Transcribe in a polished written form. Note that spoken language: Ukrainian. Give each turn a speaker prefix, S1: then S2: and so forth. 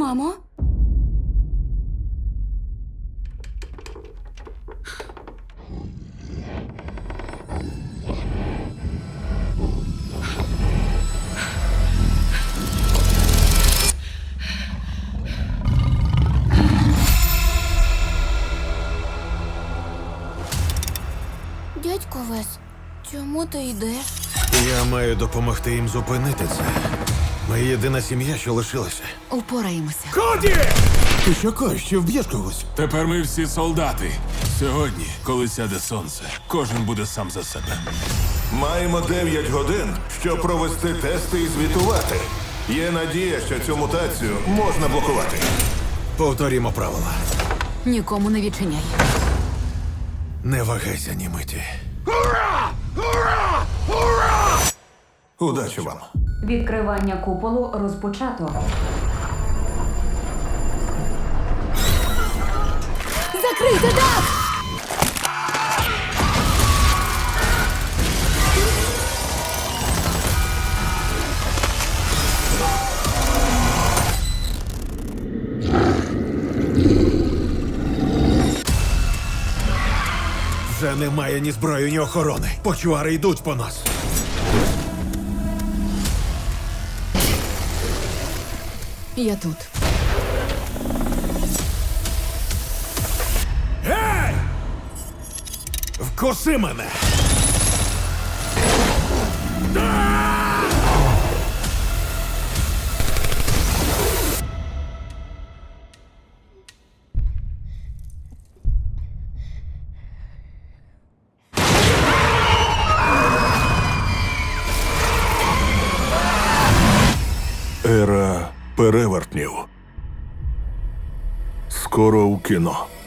S1: Мамо? Дядько Вес, чому ти йдеш?
S2: Я маю допомогти їм зупинити це. Ми єдина сім'я, що лишилася.
S1: Упораємося.
S2: Коді! Ти що кажеш, що вб'єш когось?
S3: Тепер ми всі солдати. Сьогодні, коли сяде сонце, кожен буде сам за себе.
S4: Маємо 9 годин, щоб провести тести і звітувати. Є надія, що цю мутацію можна блокувати.
S2: Повторімо правила.
S1: Нікому не відчиняй.
S2: Не вагайся ні миті.
S4: Удачі вам.
S5: Відкривання куполу розпочато.
S1: Закрийте дах!
S2: Вже немає ні зброї, ні охорони. Почвари йдуть по нас.
S1: Я тут.
S2: Гей! Вкуси мене!
S4: Ера перевертнів. Скоро у кіно.